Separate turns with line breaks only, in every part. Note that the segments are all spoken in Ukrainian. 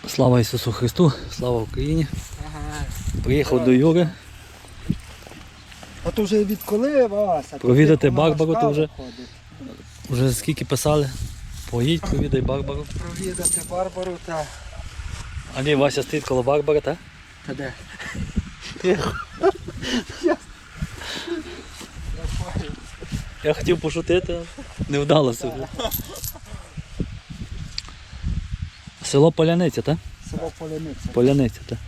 Слава Ісусу Христу, слава Україні. Приїхав до Юри.
А то вже відколи вас?
Провідати Барбару, то вже скільки писали. Поїдь, провідай Барбару.
Провідати Барбару та...
А ні, Вася стоїть коло Барбари, так?
Та де?
Я хотів пошутити, не вдалося. Село Поляниця, так?
Село Поляниця.
Поляниця, так.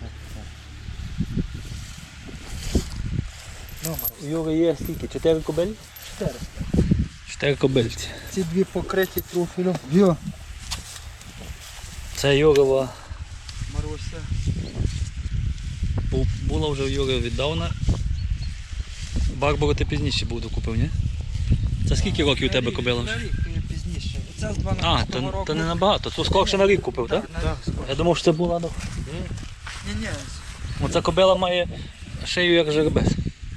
Номер.
У Юри є скільки? 4 кобилі?
4.
4 кобильці.
Ці дві покриті профілем. Йо.
Це Юрова.
Маруся.
Була вже у Юри віддавна. Барбару ти пізніше був докупив, ні? Це скільки років у тебе кобила вже?
На рік пізніше. Це з 12
А,
року.
то не набагато. То скорше на рік купив, так?
Так,
Я думав, що це була.
Ні.
Оця кобила має шию як жеребець.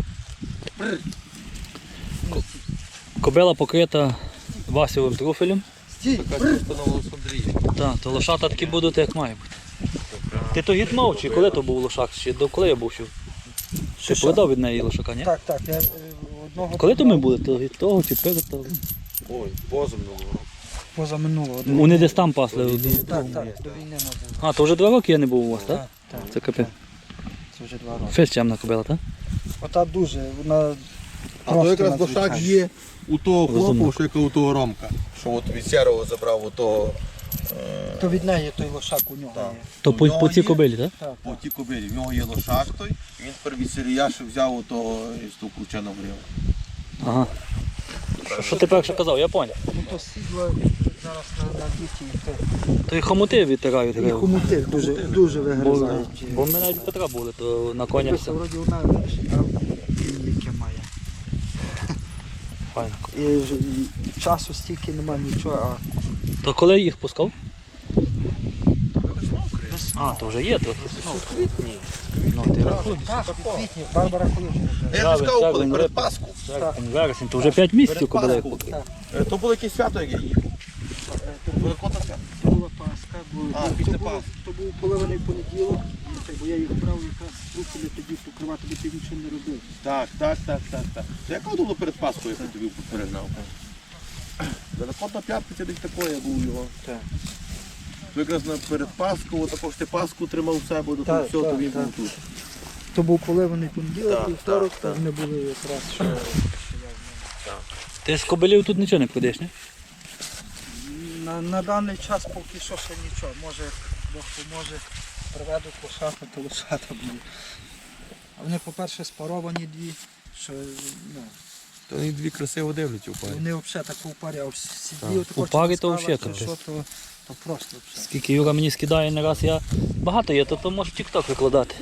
Кобила покрита васівим труфелем.
Стій.
Так, то лошата такі будуть, як має бути. Ти то гітнув, чи коли то був лошак? Чи до коли я був? Чи продав від неї лошака, ні?
Так. Я одного...
Коли то ми були? То від того чи перед того?
Ой, позаминулого року.
Позаминулого.
Вони десь там пасли.
Так, до війни може.
А, то вже 2 роки я не був у вас, так?
Так.
Це капець.
Це вже 2 роки.
Фес чемна кобила, так?
Ота дуже, вона...
А то якраз
надзвичайна.
лошак є у того
Розумно.
хлопа, що яка у того Ромка. Що от від Сєрого забрав у того
То від неї той лошак у нього
Так.
є.
То
У
по
нього
цій
є?
кобилі, так?
Так.
по тій кобилі. В нього є лошак той, і він тепер від Сіріяши взяв у того із того Кучана грів.
Ага. Що ти перше казав, я поняв.
Ну то сідло зараз на діті і то.
То і хомути відтирають.
І хомути дуже
Бо,
вигризають.
бо ми навіть Петра були, то на конях все.
Це вроді одна яке має.
Файно.
І часу стільки немає нічого,
То коли їх пускав? А, то вже є трохи. Ну, ти рахуй.
Так, у квітні, Барбара Колюжина.
Я ж
Травень,
сказав, коли
травень,
перед
липень.
Пасху.
Вересень, то вже 5 місяців
Перед
кобила їх
Пасху.
покрив.
То було якесь свято, як я їхав. Великодне свято.
То була Пасха,
А, після Пасхи.
то був поливаний понеділок, бо я їх брав якраз руки тоді покривати, бо ти нічого не робив.
Так. То яка було перед Пасхою, як я тобі перегнав? Великодна п'ятниця десь такое був його.
Так.
То якраз перед Пасхою, також ти Пасху тримав у себе, до того
Так,
всього, то
так,
він
так.
був тут.
То був поливаний понеділок,
Так,
і вівторок,
так.
вони були якраз, що я
Ти з кобилів тут нічого не продаєш, ні?
на даний час поки що ще нічого. Може, Бог поможе, приведуть лошата, то лошата буде. А вони, по-перше, спаровані дві, що, ну,
То вони дві красиво дивляться у парі.
вони взагалі так у парі, а сидів,
У парі то взагалі капець.
то просто взагалі.
Скільки Юра мені скидає не раз, я багато є, то можеш в TikTok викладати.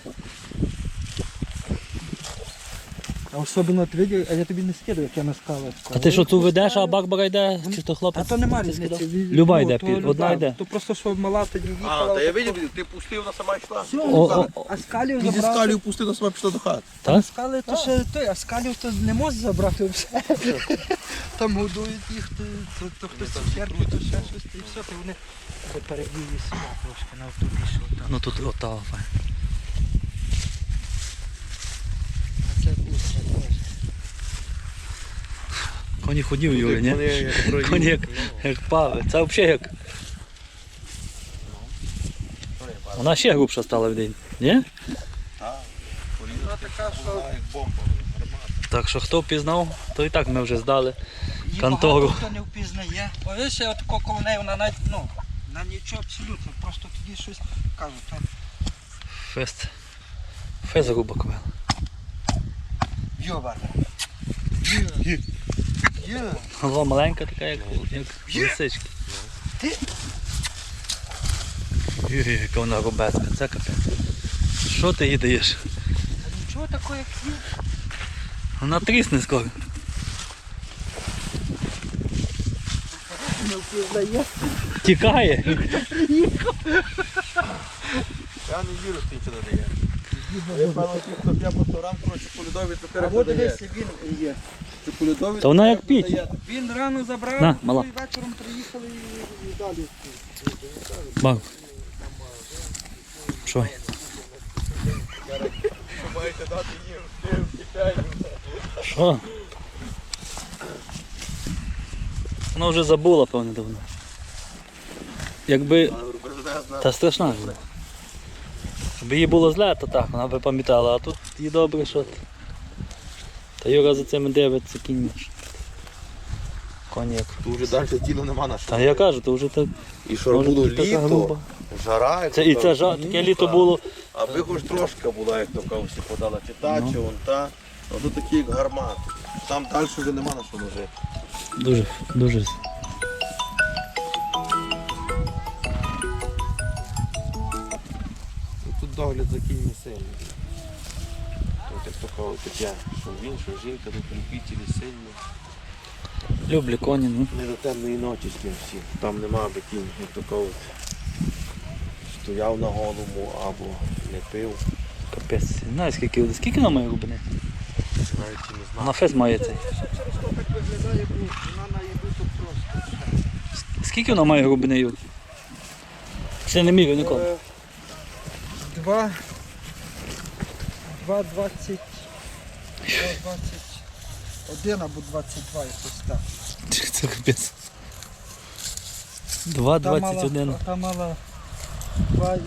А особливо ти видів, а я тобі не скидаю, як я на скалах.
А ти що цю ведеш, а Барбара йде, чи то
А
хлопець?
то нема
ти
різниці.
скидав? Люба йде,
то
одна
люба.
йде.
То просто, що мала тоді їхала.
А, та я
отако.
видів, ти пустив, вона сама йшла.
Все,
О,
а скалів
Ти зі
забрати.
скалію пустив, вона сама пішла до хати.
Так?
Скали то ще той, а скалів то не можна забрати все. Там годують їх, то хтось цукерки, то ще щось, і все, то вони переб'ють сюди трошки на автобусі.
Ну тут ота файна.
А це бустя теж.
Коні ходів Юрі, ні? Коні як пави. Це взагалі як. Вона ще грубша стала в день, ні?
Вона така, що
Як бомба.
Так що хто впізнав, то і так ми вже здали.
її
Контору.
багато хто не впізнає. Ось я отако коло неї, вона навіть, ну, на нічого абсолютно, просто тоді щось кажу. То
Фест. Фест груба ковела.
Йоба. Йо.
Голова маленька така, як лисички.
Ти?
Яка вона рубецька, це капець. Що ти їй даєш?
Та нічого такого, як є.
Вона трісне скоро.
Не впізнає.
Тікає.
Я не вірю, що ти нічого не дає. Я певно, хто п'є по 100 грам, коротше, полюдові
А
тепер
от
дає.
дивися, він є.
Чи полюдові
Та вона як піч.
Він рано забрав,
На, мала.
і вечором приїхали і далі.
Бав. Що?
Маєте дати їм кишеню.
Що? Вона вже забула, певне, давно. Якби... Та страшна ж була. Якби їй було зле, то так, вона би пам'ятала, а тут їй добре, що ти. Та Юра за цими дивиться кінь. Коньяк.
Тут вже далі тіло нема на що.
Та я кажу, то вже так.
І що
може,
було
така
літо,
груба.
жара. як
Це, і
то
це
кажуть,
таке літо було.
Аби хоч трошки була, як то кавсі подала, чи та,
Ну.
чи вон та. Ну тут такі як гармати. Там далі вже нема на що ножити.
Дуже, дуже.
Тут догляд за кіньми сильний. Тут як то кажуть, таке, що він, що жінка, тут любителі сильні.
Люблю коні, ну.
Не до темної ночі з ким всі. Там нема аби кінь, як то кажуть, стояв на голому або не пив.
Капець. Не знаю, скільки вона має глибини?
Навіть і не знаю.
На фест має цей.
Ще через то так виглядає, бо вона на їду тут просто.
Скільки вона має глибини, Юр? Ще не міряв ніколи.
2, 20, 21 або 22, якось так.
Це капець. 2,21.
Та мала 2,8.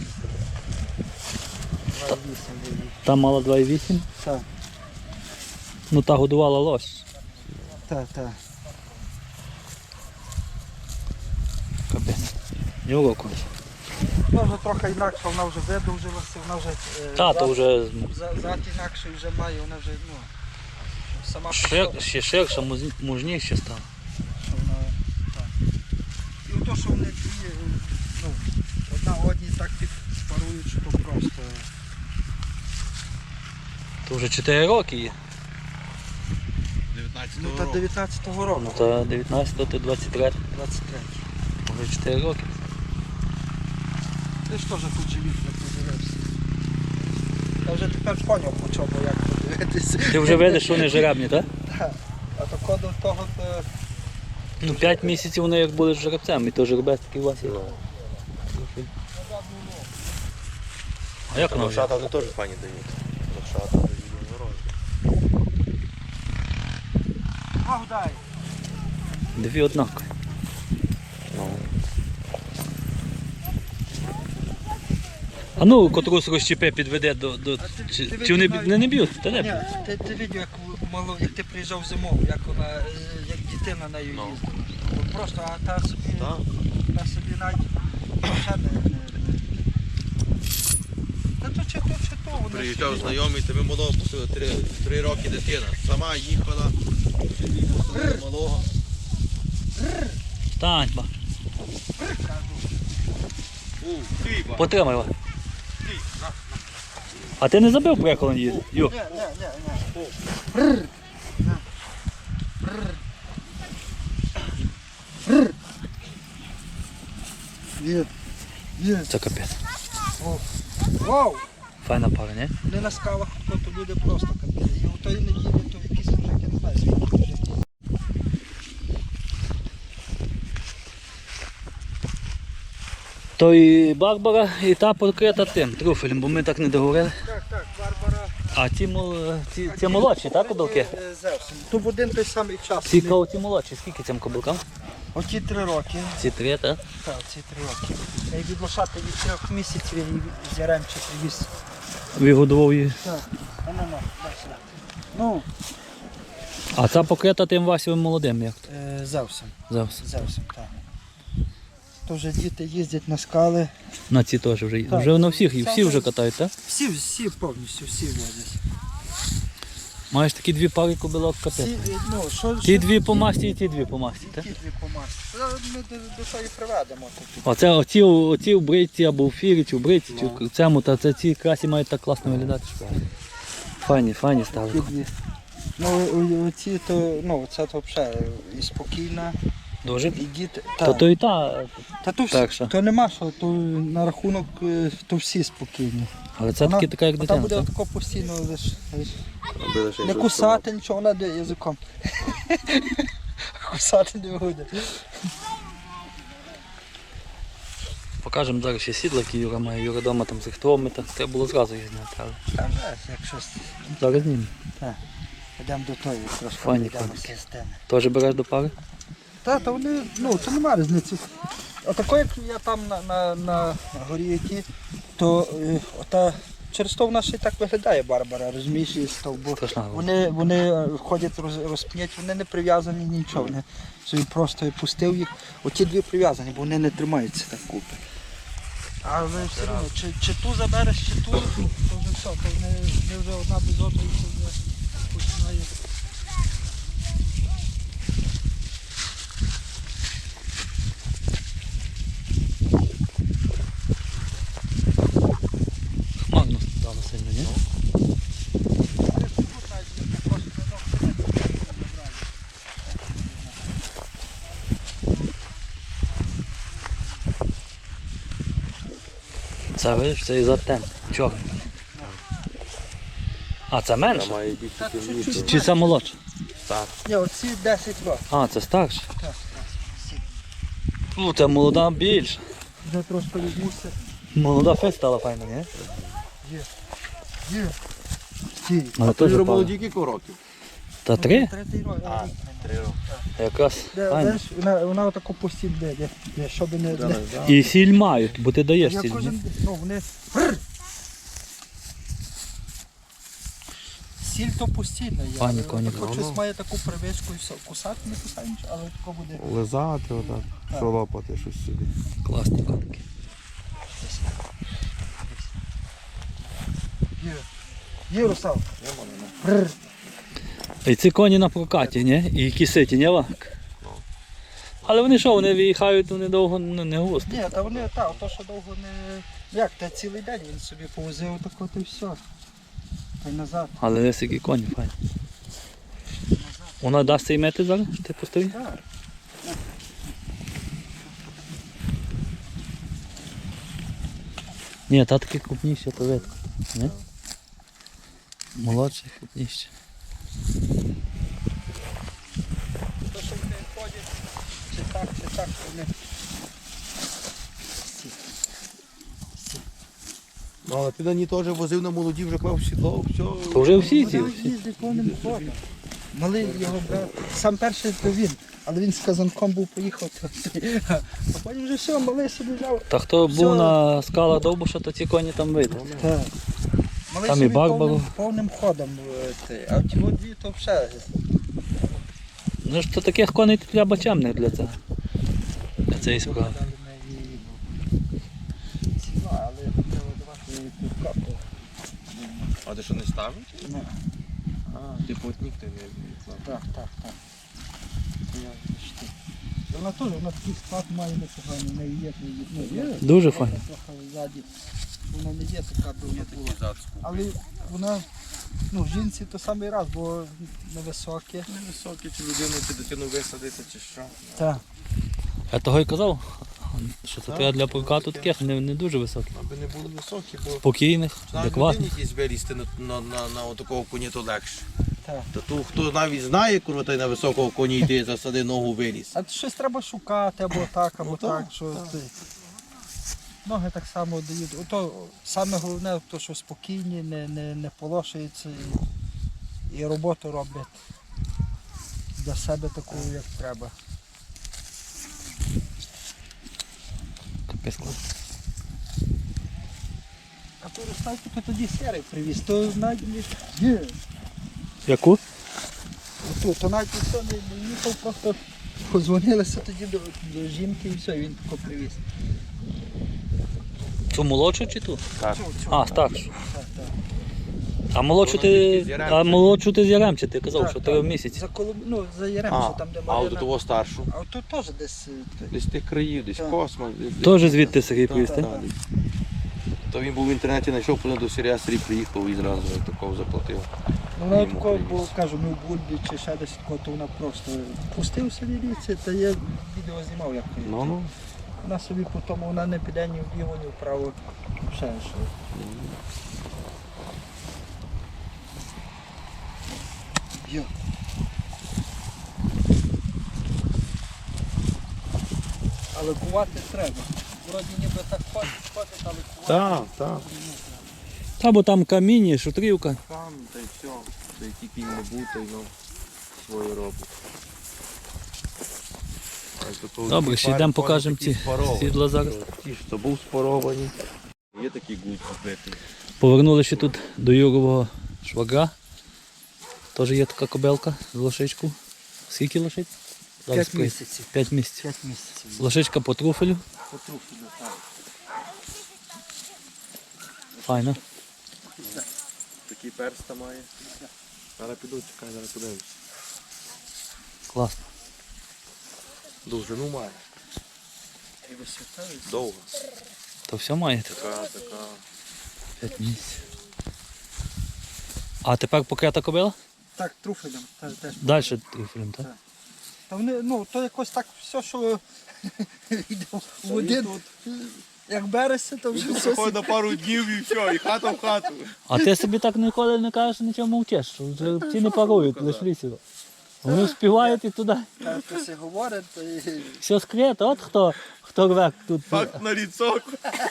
2,8 буде.
Та мала 2,8.
Так,
Ну та годувала лось.
так.
Капець. Юро конь.
Вона вже трохи інакше, вона вже видовжилася, вона вже
Та, то вже
зад інакший вже має, вона вже, ну, сама по собі,
ще ширша, мужніше стала.
що вона, так. І ото, що вони дві, ну, одна одній так спарують, що то просто.
То вже 4 роки є.
19
Ну, та 19-го року.
Ну та 19, то 23.
23.
Вже 4 роки.
Ти ж теж тут живіт не подивився. Я вже тепер поняв, по чому, як подивитися.
Ти вже видиш, що вони жеребні, так?
Так. А то коду того, то...
Ну 5 місяців вони як були жеребцем, і то жеребець такий у вас є. А як воно вже?
Лошата вони теж пані дають. Лошата дають морозу.
Ах, дай.
Дві однакові. А ну, котрусь розчепи підведе до... Чи вони не б'ють? Та не б'ють.
Ні, ти видів, як ти приїжджав зимою, як вона, як дитина нею їздила. От просто, а та собі,
Так.
та собі навіть ще не. Та то чи то, вона
Приїжджав
собі-
знайомий, тебе малого пустили 3 роки дитина. Сама їхала, собі пустили малого.
Стань, ба.
Хліба.
Потримай його. А ти не забив приколон її? Ю.
Ні. Є.
Це капець.
Вау!
Файна пара, ні?
Не на скалах, то люди просто капець. І у тої неділі, то якісь мужики, не знаю, скільки мужиків.
То і Барбара, і та покрита тим, труфелем, бо ми так не договорили.
Так, Барбара.
А ці молодші, так, кобилки?
Зевсом. То в один той самий час.
Ці молодші, скільки цим кобилкам?
Оті 3 роки.
Ці 3, так?
Так, ці 3 роки. Я й від лошати від 3 місяців я її з Яремча привіз.
Вигодував її.
Так. Ну, дай сюди. Ну,
А ця покрита тим Васівим молодим, як то?
Зевсом.
Завжди.
Зевсом, так. То вже діти їздять на скали.
На ці теж вже.
Так.
Вже на всі вже катають, так?
Всі повністю, всі возять.
Маєш такі 2 пари кобилок капець.
Всі, ну, що,
Ті 2 по масті і ті 2 по масті, так?
Ті 2 по масці. Ми до того і приведемо. Тут.
Оце оці в бритці або в фірі, чи в бритці, чи в цьому, та це ці красі мають так класно виглядати. Що... Файні стали.
Ті 2. Ну, оці то, ну, це то взагалі і спокійна,
Дуже?
і діти.
То і та,
Та то,
так що.
то нема що, то на рахунок, то всі спокійні.
але це таки така як
Вона
дитина,
буде
так?
тако постійно лиш
Аби лише
не
щось
кусати нічого, вона де язиком. Кусати не буде.
Покажемо зараз ще сідла, які Юра має. Юра вдома там з рихтометра. Треба було зразу їх зняти, але
Там же, якщо
зараз знімемо.
йдемо до тої, трошки
Файні
йдемо
коники.
кистини.
Теж береш до пари?
Та вони, ну, то немає різниці. Отако, як я там на горі які, то ота, через то вона ще й так виглядає Барбара, розумієш, і стовбу.
Страшна.
Вони ходять розп'ять, вони не прив'язані нічого. Вони собі просто я пустив їх. Оті дві прив'язані, бо вони не тримаються так купи. Але все одно, чи ту забереш, чи ту, то вже все, то вони вже одна без одної це вже починає.
Хмарно стало сильно, ні? Це видиш, це і за тем. Чорний. А, це менше?
Має більше темніше.
Чи це молодше?
Так.
Ні, оці 10 років.
А, це старше.
Так,
Ну, це молода більше.
вже трошки відмуся.
Молода фест стала файна, ні?
Є. Стій.
Але
А то
теж
вже
пара.
молоді кілька років?
Та 3?
Третій рік.
3 роки.
Якраз файна.
Знаєш, вона отако постійно де, щоб не...
І сіль мають, бо ти даєш
Я
сіль. ні?
кожен, ну, вони... Сіль то постійно є.
Пані
але
коні,
тако
ну,
щось
ну.
має таку привичку і все. Кусати не кусає нічого, але тако буде.
Лизати отак, шолопати щось собі.
Класні коники.
Є, Русал.
І ці коні на прокаті, ні? І киситі, ні, Ванк? Але вони що, вони виїхають, вони довго не густо.
Ні, та вони, то що довго не... Як, та цілий день він собі повозив тако, то й все. Та й назад.
Але десь які коні файні. Вона дасть цей мети зараз, що ти пустив?
Так.
Ні, та такі крупніші, то видно. Ні? Молодші, крупніші.
То, що вони ходять, чи так, вони...
Ну, але ти на ній теж возив на молоді, вже клав сідло, все.
То вже всі ці.
Вони їздять повним ходом. Малий його брат, сам перший то він, але він з казанком був поїхав. А потім вже все, малий собі взяв.
Та хто
Все.
був на скалах Довбуша, то ці коні там видно.
Так. Малий
Там і
собі
Барбару.
повним ходом. А ті от дві то вже.
Ну ж то таких коней треба чемних для цього. Для цієї справи.
Дали ми їй ціну, але треба давати півкапу.
А ти що не ставиш?
Ну,
А, ти плотник ти не клав.
так. Я почти. Вона теж, вона такий склад має непоганий, в неї є, є.
Дуже файно.
Трохи ззаді. Вона не є така, би вона була.
зацку.
Але вона, ну, жінці то самий раз, бо невисокі.
Невисокий, чи людину, чи дитину висадити, чи що.
Так.
Я того й казав, що це треба для прокату таких не дуже високих.
Аби не були високі, бо
Спокійних,
навіть
адекватних.
людині якісь вилізти на отакого коні, то легше.
Так.
Та ту, хто навіть знає, курва, той на високого коні йти, засади ногу виліз.
А щось треба шукати, або так, або
Ну,
так.
так,
Що ти... Ноги так само дають. Ото саме головне, то, що спокійні, не полошуються і роботу роблять для себе таку, як треба.
Капець клас.
А ту розставку то тоді серий привіз, то навіть не є.
Яку?
То навіть ніхто не їхав, просто подзвонилися тоді до жінки і все, і він тако привіз.
Цю молодшу чи ту?
Так.
А, старшу.
Так.
А молодшу
Вона тільки з
ти,
Яремча.
а молодшу ти з Яремча, ти казав,
Так,
що
так.
3 місяці.
За за Яремче, там де
А от до
Марина.
того старшу.
А тут теж десь.
Десь тих країв, десь
Так.
Космос.
Теж звідти Сергій
Так,
привіз,
так,
так?
десь. То він був в інтернеті, знайшов, потім до Сергія Сергій приїхав і зразу такого заплатив.
Вона
Йому
такого,
привіз.
бо кажу, ми в Бульбі чи ще десь такого, то вона просто пустив собі ліці, та я відео знімав, як то є.
Ну.
Вона собі потім, вона не піде ні вліво, ні вправо. Ще що. Йо. Але кувати треба. Вроді ніби так ходить, але
Так, так.
Та бо там каміння, шутрівка.
Там, та й все. Та й тільки не бути, ну, своє робить.
Добре, ще йдемо покажемо ці сідла зараз.
Ті ж, то був споровані. Є такі гудь побитий.
Повернули ще тут до Юрового швагра. Теж є така кобилка з лошичку. Скільки лошиць?
5 місяців.
5 місяців.
5 місяців.
Лошичка по труфелю.
Потрохи, так.
Файно.
Такий перста має. Зараз піду, чекай, зараз подивимось.
Класно.
Довжину має.
І висота, і
Довго.
То все маєте?
Така.
5 місяців. А тепер покрита кобила?
так, труфелем. Теж.
Далі труфелем, так?
Та вони, ну, то якось так все, що йде в один, як береться, то вже все.
Приходить на пару днів і все, і хата в хату.
А ти собі так ніколи не кажеш, нічого мовчиш, що вже ці не парують, лиш лісів. Вони співають і туди.
Хтось і говорить, то і...
Все скрито, от хто рве тут.
Факт на ліцок.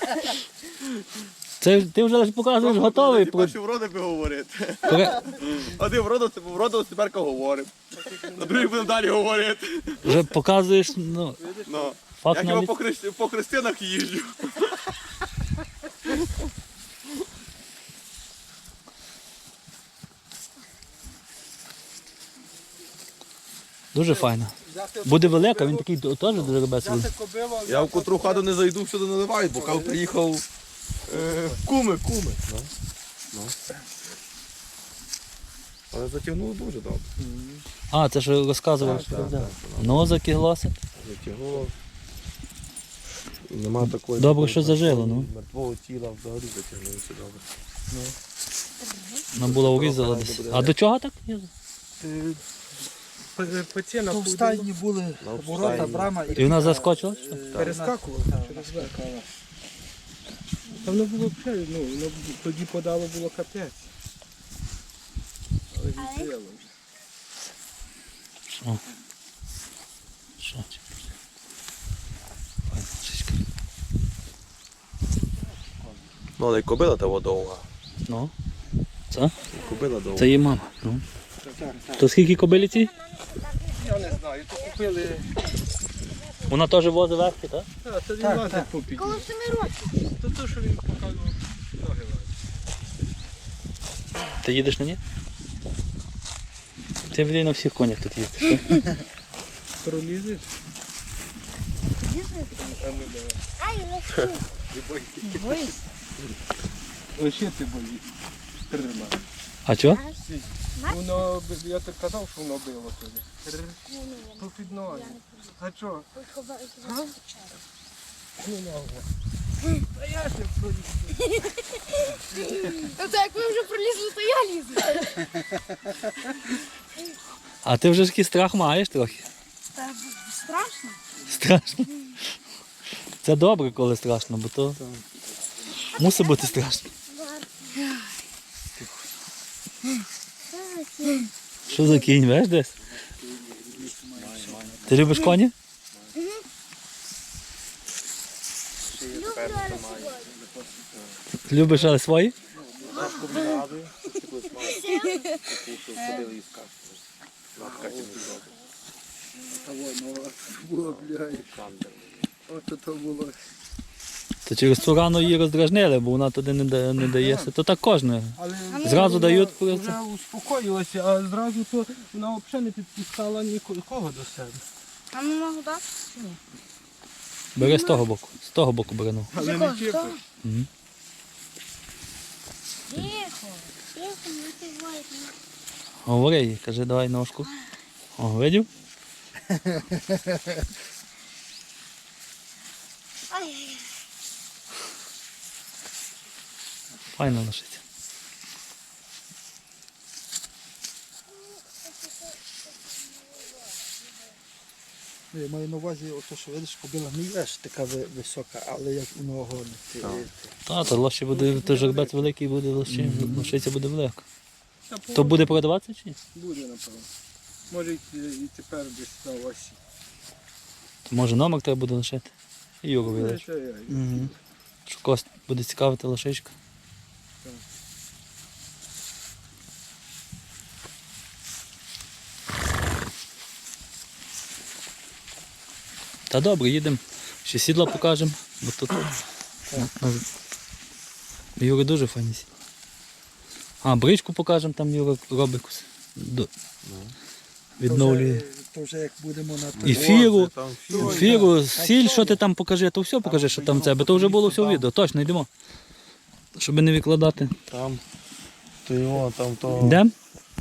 Це ти вже лише показуєш готовий.
Ти перші вроди би говорити.
Пре-
Один вродив, тепер говоримо. На другий будемо далі говорити.
Вже показуєш, ну,
Ну.
факт
Я
на
хіба
ліс.
по хрестинах їжджу.
Дуже файно.
Взяти,
Буде велика, він такий теж дуже ребесовий.
взяти кобилу, а
Я в котру хату не зайду, всюди наливають, бо кав приїхав в куми. Ну. Але затягнуло дуже добре.
А, це ж розказував, що
Так,
да.
так,
Ну, закиглося.
Затягнуло. Нема такої.
Добре, що зажило, ну.
Мертвого тіла взагалі затягнулося добре.
Вона була урізала десь. А до чого так?
то в стайні були ворота, брама
І вона заскочила? Що?
перескакувала через верх.
Та воно було взагалі, ну, воно тоді подало було капець. Але відстріло.
Що? Що? Файна лошичка.
Ну, але й кобила того довга.
Ну, це?
Кобила довга.
Це її мама. Ну. То скільки кобилі ці?
Я не знаю, то купили,
Вона теж возить верхи, так?
а це він
Так,
лазить
так.
по піді.
Коло 7 років.
То то, що він показував, ноги лазить.
Ти їдеш на ній? Ти, блін, на всіх конях тут їздиш. так?
Пролізеш? А ну давай.
Ай, легко. Боїсь?
Лише ти боїш. Тримай.
А чого?
Воно, я так казав, що воно било тобі. По під ноги. А чого? Ну, ногу. А я ж не проліз.
Тобто як ви вже пролізли, то я лізу.
А ти вже ж такий страх маєш трохи.
Та страшно.
Страшно. Це добре, коли страшно, бо то мусить бути страшно. Що за кінь, веш десь? Ти любиш коні?
Люблю, але сьогодні.
Любиш, але свої?
Було, блядь. Ото то було.
То через цю рану її роздражнили, бо вона туди не дається. То так кожне.
Але
Зразу
вона
дають
вже
просто.
успокоїлася, а зразу то вона взагалі не підпускала нікого до себе.
А ну можу дати?
Бери з того боку. З того боку бери. Ну.
Але не чіпай.
Мгм.
Тихо. Тихо, не тривай.
Говори їй, кажи, давай ножку. О, видів?
Ай,
Файно лошиця.
Я маю на увазі, ото, що видиш, кобила не є ж така висока, але як у нього гонить.
Та, то лоші буде, то жеребець великий буде, лошиця буде велика. То буде продаватися чи ні?
Буде, напевно. Може і тепер десь на осі.
То може номер треба буде лишити. і Юру вилиш.
Угу.
Що когось буде цікавити лошичка. Та добре, їдемо. Ще сідла покажемо, бо тут Юра дуже файні сідла. А, бричку покажемо, там Юра робить якусь. Відновлює.
То вже як будемо на той.
І фіру, сіль, що ти там покажи, то все покажи, що там в тебе. То вже було все в відео, точно йдемо. Щоб не відкладати.
Там, то його, там то.
Йдемо?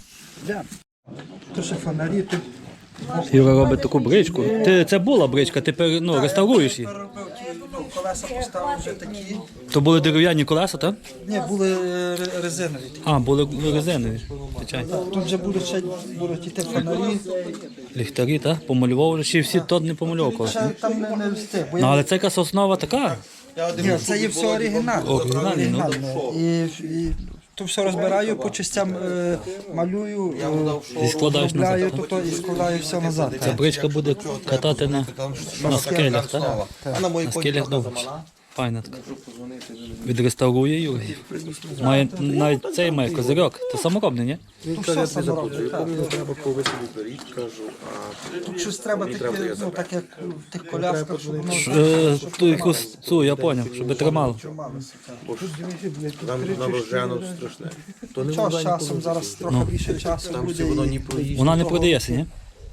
То ще фонарі тут.
Юра робить таку бричку. Це була бричка, ти реставруєш її.
Переробив ті, колеса поставив вже такі.
То були дерев'яні колеса, так?
Ні, були резинові.
А, були резинові. Звичайно.
Тут вже будуть іти фонарі.
Ліхтарі, так? Помалював вже, ще всі тот не помалював когось.
Ще там не встиг. Бо
Ну, але це якась основа така.
Ні, це є все оригінальне.
Оригінальне, ну.
Оригінальне. І то все розбираю, по частям малюю,
І складаєш
обробляю
назад,
то і складаю все назад.
Ця бричка буде катати на скелях, так?
А на моїй
На
коні
скелях
правда,
довго.
замала.
Файна така. Відреставрує Юра. Має, навіть цей має козирьок. Це саморобний, ні?
Тут все саморобне. так.
Мені треба повисити беріть, кажу,
Тут щось треба таке, ну так як в тих колясках, щоб воно
Ту якусь цю, я зрозумів, щоб тримало.
трималося. так.
а там на рожену страшне. То не
Що
вода
з
ні
часом, зараз трохи більше часу
Там все
буде.
воно
і
ні проїзд.
Вона не продається, ні?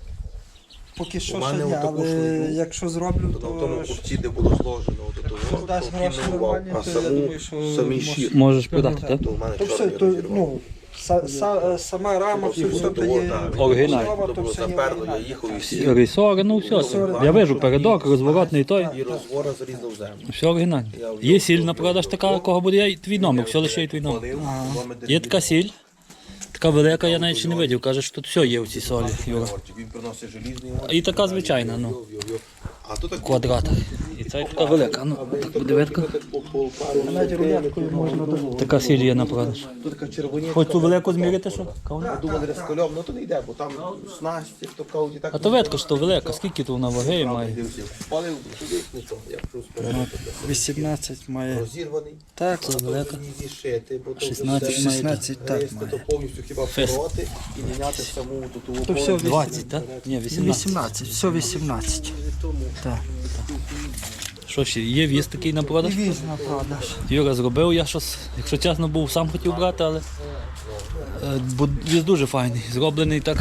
Поки що
У
ще
мене
ні,
отаку
але
ж,
якщо зроблю,
То на тому
то
купці, де було зложено до того,
дасть
то
гроші
кинував,
нормальні,
а
то я думаю, що
самий
може-
щит,
Можеш продати, так?
то в мене
то все,
чорний
то,
розірвав.
ну, сама рама, все, все то є
Оригінальне.
основа,
То
то
було
все є
заперло, я
оригінальне.
їхав і всі.
Рейсори, ну все. Я вижу передок, розворотний той.
І розвора зарізав землю.
Все оригінально. Є сіль на продаж така, кого буде, я твій номер, все лише є твій номер.
Палив,
Є така сіль, така велика, я навіть ще не видів. Каже, що тут все є в цій солі, Юра.
Він приносить желізний.
І така звичайна, ну,
А тут так
в квадратах. І це така велика, ну, так буде видко.
Навіть рулеткою можна до...
Така сіль є на продаж.
Тут така червоніця.
Хоч цю велику змірити, що? Кавна?
Думали, розкольом, ну то не йде, бо там снасті, то кауді так.
А то видко, що велика, скільки тут вона ваги має.
Палив, туди, не то, я пішов спереду.
18 має.
Розірваний.
Так,
Це велика.
І зішити, бо то
16
вже
має.
16 так
гристи,
має.
то повністю хіба пороти і міняти саму ту
То все
20, так? Ні, 18.
18, все 18. Так.
Що ще, є віз такий на
І
продаж?
віз на продаж.
Юра зробив, я щось, якщо чесно, був сам хотів брати, але бо віз дуже файний, зроблений так.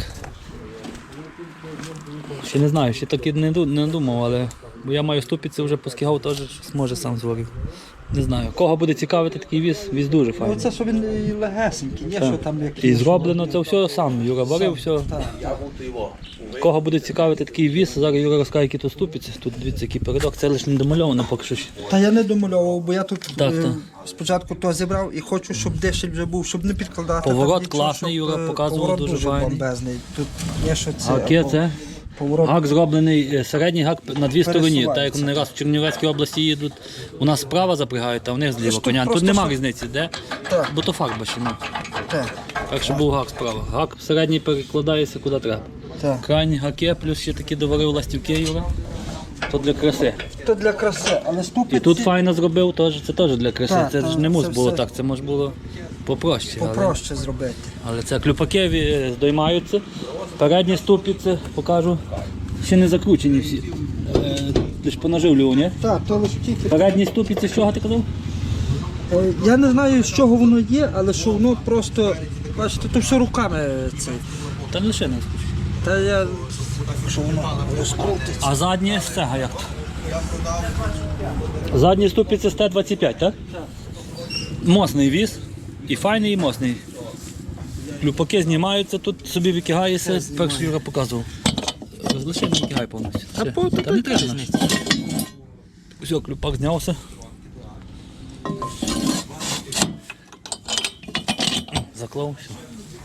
Ще не знаю, ще так і не думав, але бо я маю ступиці, вже поскигав, теж щось може сам зворив. Не знаю. Кого буде цікавити такий віз дуже
Ну
файний.
це що він і легесенький, є
Так.
що там як
І зроблено це все сам. Юра варив все.
Я був то його.
Кого буде цікавити такий віз, зараз Юра розкаже, які тут ступиці. Тут дивіться, який передок, це лише не домальовано поки що. Ще.
Та я не домальовував, бо я тут
Так, так.
спочатку то зібрав і хочу, щоб дешель вже був, щоб не підкладати.
Поворот
так нічого,
класний,
щоб,
Юра показував,
поворот
дуже файний.
бомбезний. Тут є що це.
А яке це?
Поворот.
Гак зроблений, середній гак на дві стороні. Так як
Пересувається.
не раз в Чернівецькій області їдуть, у нас справа запрягають, а в них зліва
тут
коня. Тут
просто
нема
що-
різниці, де?
Так.
Бо то факт бачимо.
Так,
Так що був гак справа. Гак середній перекладається куди треба.
так.
Крайні гаки, плюс ще такі доварив ластівки, Юра. То для краси.
То для краси, але ступиці
І тут файно зробив, це теж для краси.
Так,
Це ж
так,
не мус
це
було
все.
так, це може було попроще.
попроще зробити.
Але це клюпаки здоймаються. Передні ступиці, покажу, ще не закручені всі. Лиш понаживлював, ні?
Так, то лише тільки.
Передні ступиці, з чого ти казав?
Я не знаю, з чого воно є, але що воно просто, бачите, то все руками це.
Та не лише не скручені.
Та я, що воно розкрутить.
А задні з цього як то? Задні ступиці з Т-25, так? Так. Мосний віз. І файний, і мосний. Клюпаки знімаються, тут собі викигається, перший Юра показував. Лише не викигай повністю. Все. Та не треба. Все, клюпак знявся. Заклав, все.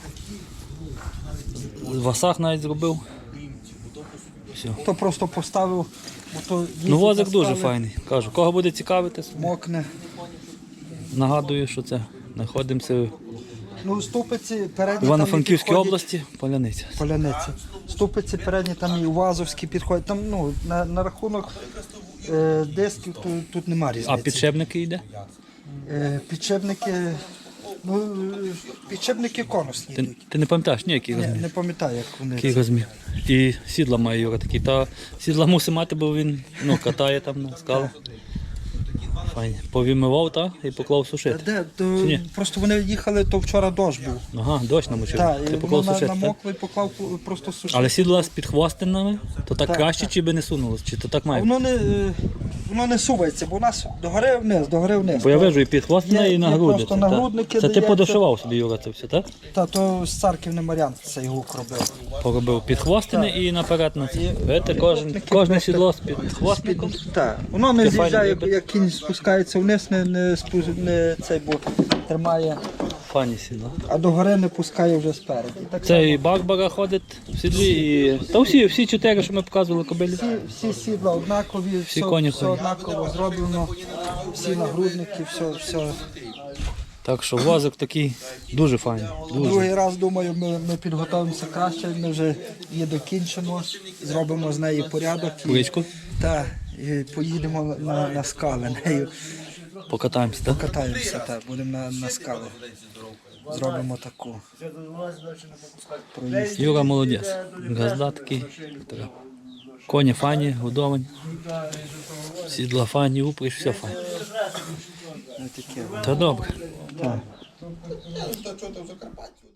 В васах навіть зробив. Все.
То просто поставив, бо то
Ну возик
їздить на
дуже
скали,
файний. Кажу, кого буде цікавити,
мокне.
нагадую, що це. Знаходимося в
Ну, ступиці передні
Івано-Франківській
там і підходять-
області, Поляниця.
Поляниці. Ступиці передні там і Увазовські підходять. Там, ну, на рахунок Дисків тут немає різниці.
А підшипники йде?
Підшипники, підшипники конусні
Ти,
йдуть.
ти не пам'ятаєш ніякий
Ні,
розмір?
не пам'ятаю, як вони.
Який розмір. І сідла має Юра такі. Та сідла мусить мати, бо він катає там на скалах. Файні. Повімивав і поклав сушити.
Де?
ні?
Просто вони їхали, то вчора дощ був.
Ага, дощ намочив.
Так,
Ти
і
поклав
воно
сушити, так?
намокло і поклав просто сушити.
Але сідла з підхвостинами, то так
Так,
краще,
так.
чи би не сунулось? Чи то так
А
має?
воно не сувається, бо у нас догори вниз, догори вниз.
Бо я вижу і підхвостина,
Є-
і
є
нагрудниця.
просто
та.
нагрудники
Це ти
дається.
подошивав собі, Юра, це все, так?
Та то з царків не Мар'ян цей гук робив.
Поробив підхвостини і наперед на це. Видите,
Підхвостники
кожне
просто-
сідло з підхвостником.
Так, воно не
Ти
з'їжджає,
файно
як,
робиш?
як кінь спускається вниз, не цей, бо тримає,
Фані сідла.
а догори не пускає вже спереді. Так
Це і Барбара ходить в сідлі, і... Та всі чотири, що ми показували кобилі.
всі сідла однакові, все,
коні
все
ходять.
однаково зроблено, всі нагрудники, все.
Так що возик такий дуже файний. Дуже.
Другий раз, думаю, ми підготуємося краще, ми вже її докінчимо, зробимо з неї порядок
Куличку
і поїдемо на скали нею.
покатаємося, так?
Катаємося, так, будемо на скали. Зробимо таку. Проїзд.
Юра молодець. Газда такий. Така. Коні файні, годовані. Сідла файні, упряж, все файне.
Таке.
Та добре.
Так.